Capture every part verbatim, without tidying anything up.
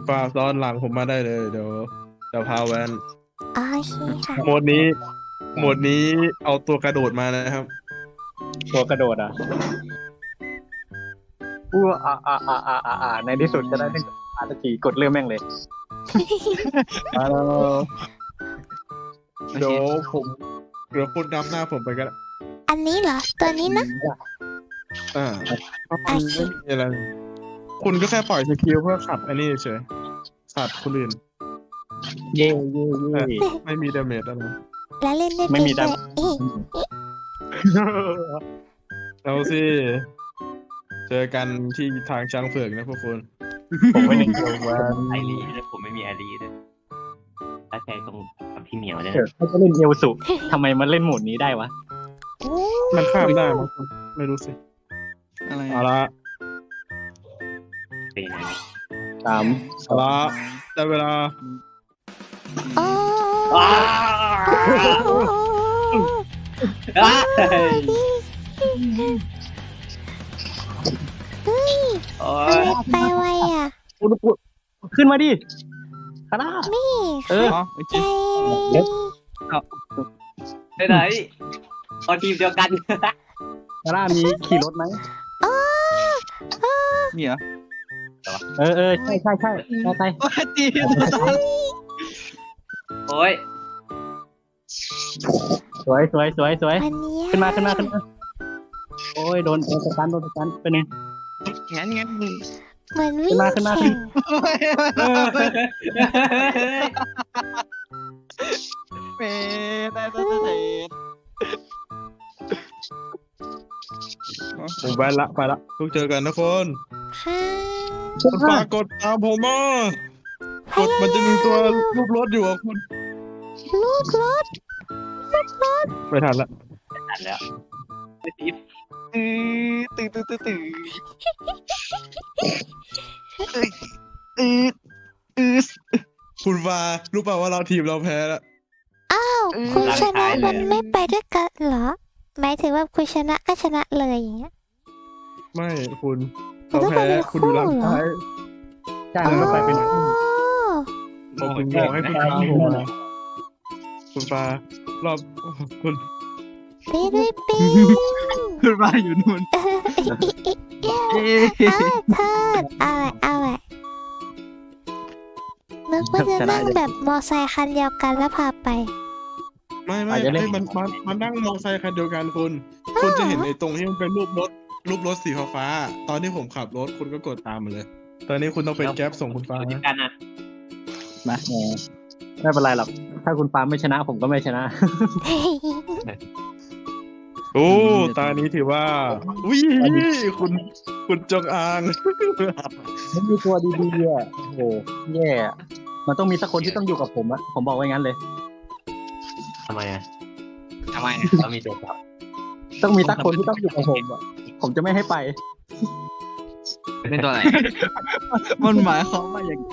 ปาซ้อนหลังผมมาได้เลยเดี๋ยวเดี๋ยวพาแวนโอเคค่ะโหมดนี้โหมดนี้เอาตัวกระโดดมานะครับตัวกระโดดอ่ะอู้อ่าอ่าอ่าอ่าอ่าในที่สุดจะได้เล่นอาตะกี้กดเริ่มแม่งเลยมาแล้วเดี๋ยวผมเดี๋ยวคุณนำหน้าผมไปกันอันนี้เหรอตัวนี้นะอ่ามันไม่มีอะไรคุณก็แค่ปล่อยสกิลเพื่อขัดอันนี้เฉยขัดคนอื่นเย่เย่เย่ไม่มีดาเมจอะไรแล้วเล่นได้ไม่เป็นมีด้ดำวยเอ๊ะเอาสิเจอกันที่ทางช้างเผือกนะพวกคุณผมไม่ได้เกี่ยวว่าไอรีด้วยผมไม่มีไอรีด้วยถ้าใช้ตรงกับพี่เหมียวเนี่ยเออเขาจะเล่นเอลสุทำไมมันเล่นโหมดนี้ได้วะโอ้มันข้ามได้มั้งไม่รู้สิอะไรเอาละเป็นไงสามเอาละได้เวลาโอ้อ้าโอ้อ้าเฮ้ยโอ้ทำยไมไปไวอ่ะอุดอุดขึ้นมาดิคาร่านี่เอออ๋อโอเคใจเลยไปไหนพอทีมเดียวกันคาร่ามีขี่รถไหมโอ้โอ้มีเหรอเออเออใช่ใช่ใช่ไปไปโอ้ยตีโอ้ยสวยสวยสวยสวยวันนี้ขึ้นมาขึ้นมาขึ้นมาโอ้ยโดนโดนสตันโดนสตันไปหนึ่งงั้นงั้นเหมือนวิ่งขึ้นมาขึ้นมาขึ้แข่นงเมได้ได้ได้ได้ผมไปละไปละทุกเจอกันนะคนค่ะคุณปากดตามผมมากดมันจะมีตัวรูปรถอยู่อ่ะคุณลูกรถไม่ทันละตัดแล้วตื่นตื่นตื่นตื่นตื่นตื่นตื่นคุณวารู้เปล่าว่าเราทีมเราแพ้แล้วอ้าวคุณชนะมันไม่ไปด้วยกันเหรอ หมายถึงว่าคุณชนะก็ชนะเลยอย่างเงี้ยไม่คุณคุณเราต้องไปแพ้เป็นคุณคู่อยู่หลังเหรอท้ายใช่มันก็ไปเป็นโอ้ผมถึงบอกให้คุณตามผมมาคุณปารอบคุณไปด้วยปีขึ้นมาอยู่นู่นเอ้าวเทิดเอาไว้เอาไว้นึกว่าจะนั่งแบบมอไซค์คันเดียวกันแล้วพาไปไม่ไม่ไม่มันมันมันนั่งมอเตอร์ไซค์คันเดียวกันคุณ คุณจะเห็นไอ้ตรงที่มันเป็นรูปรถรูปรถสีฟ้าๆตอนที่ผมขับรถคุณก็กดตามมาเลย ตอนนี้คุณต้องเป็นแก๊ปส่งคุณฟ้าอยู่ด้วยกันอ่ะนะไม่เป็นไรหรอกถ้าคุณปาไม่ชนะผมก็ไม่ชนะโอ้ตานี้ถือว่าวิคุณคุณจงอางไม่มีตัวดีๆอ่ะโอ้โหแย่อะมันต้องมีสักคนที่ต้องอยู่กับผมอะผมบอกไว้งั้นเลยทำไมอ่ะทำไมเรามีตัวจับต้องมีสักคนที่ต้องอยู่กับผมอะผมจะไม่ให้ไปเป็นตัวไหนมันหมายความว่าอย่างไร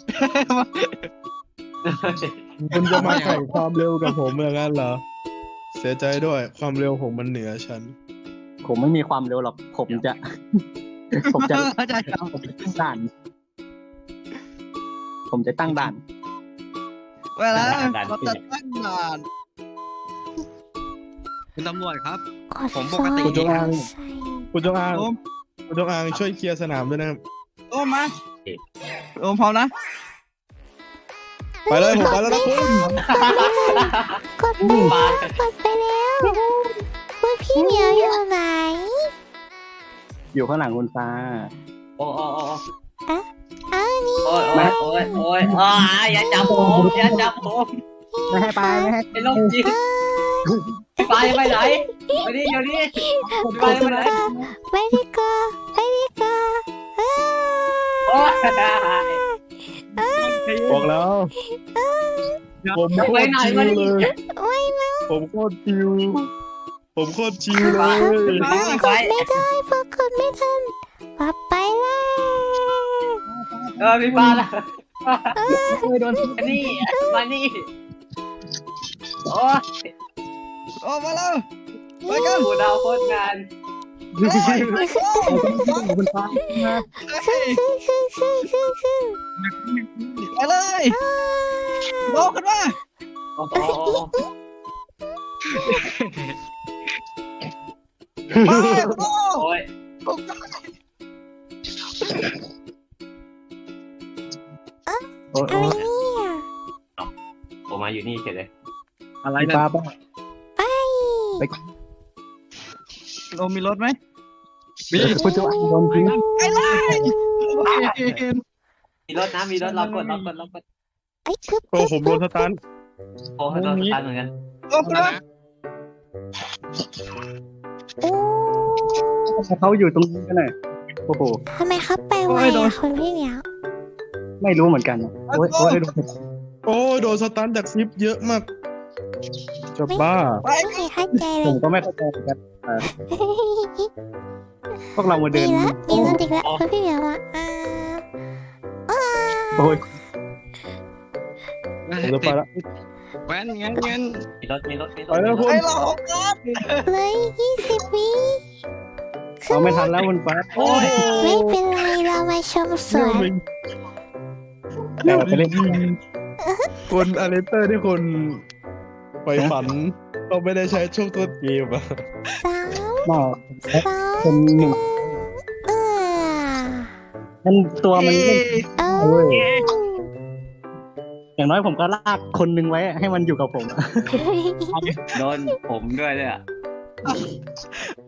คุณจะมาแข่งความเร็วกับผมอย่างนั้นเหรอ เสียใจด้วยความเร็วผมมันเหนือฉันผมไม่มีความเร็วหรอกผมจะ ผมจะเข้าใจครับผมจะตั้งด่าน ผมจะตั้งด่านเวลาเราจะตั้งด่านคุณตำรวจครับกดผมปกติคุณจงอางใส่คุณจงอางโอมคุณจงอางช่วยเคลียร์สนามด้วยนะครับโอมมาโอมพร้อมนะไปเลยผมไปแล้วนะคุณกดไปแล้วกดไปแล้วคุณพี่เหมียวอยู่ไหนอยู่ข้างหลังคุณฟ้าโอ้โอ้โอ้อ้าวนี่โอ้ยโอ้ยโอ้ยโอ้ยอ่าอย่าจับผมอย่าจับผมไม่ให้ไปไม่ให้ไอ้โรคจิตไปไปไหนไปดิเดี๋ยวนี้ไปไปไหนไม่ดีกว่าไม่ดีกว่าอ้าวโอ้ยบอกแล้ว ผมโคตรชิวเลยไม่นะผมโคตรชิว ผมโคตรชิวเลยกดไม่ได้เพราะกดไม่ทันปับไปเลยเออพี่ฟ้าละไม่โดนมานี่มานี่โอ้ยโอมมาแล้วไปกันหูดาวโคตรงานคุณฟ้าไปเลยโลกกันมาโอ้โหไปโลกโอ้ยโอ้อะไรเนี่ยผมมาอยู่นี่เฉยเลยอะไรคุณนะฟ้าป่ะโลมีรถไหมมีคุณจะโดนทิ้งไปเลยมีรถนะมีรถเรากดเรากดเรากดไอ้ปึ๊บโอ้ผมโดนสตันโอ้โดนสตาร์ทเหมือนกันโลกกันมาโอ้เขาอยู่ตรงนี้กันเลยโอ้โหทำไมเขาไปไวอะคุณพี่เหมียวไม่รู้เหมือนกันโอ้ยโอ้ยโอ้โดนสตันจากซิปเยอะมากจะบ้าไม่เคยเข้าใจเลผยมก็ไม่เข้าใจเหมือนกันพวกเรามาเดิมีนละมีรถอีกแล้วคุณพี่เหมียวอะอ่าอ่าโอ้ยผมจะไปละแว้นงั้นงั้นมีรถมีรถมีรไปถแล้วคุณไปโลกกันเลยยี่สิบวิเราไม่ทันแล้วคุณฟ้าโอ้ยไม่เป็นไรเรามาชมสวนเดี๋ยวไปเล่นคุณอเลสเตอร์ที่คุณไปฝันเราไม่ได้ใช้ช่วงต้นเกมอะสามหม้อสองเป็นหนึ่งเออมันตัวมันเล่นเออเว้ยอย่างน้อยผมก็ลากคนนึงไว้ให้มันอยู่กับผมโดนผมด้วยเลยอ่ะ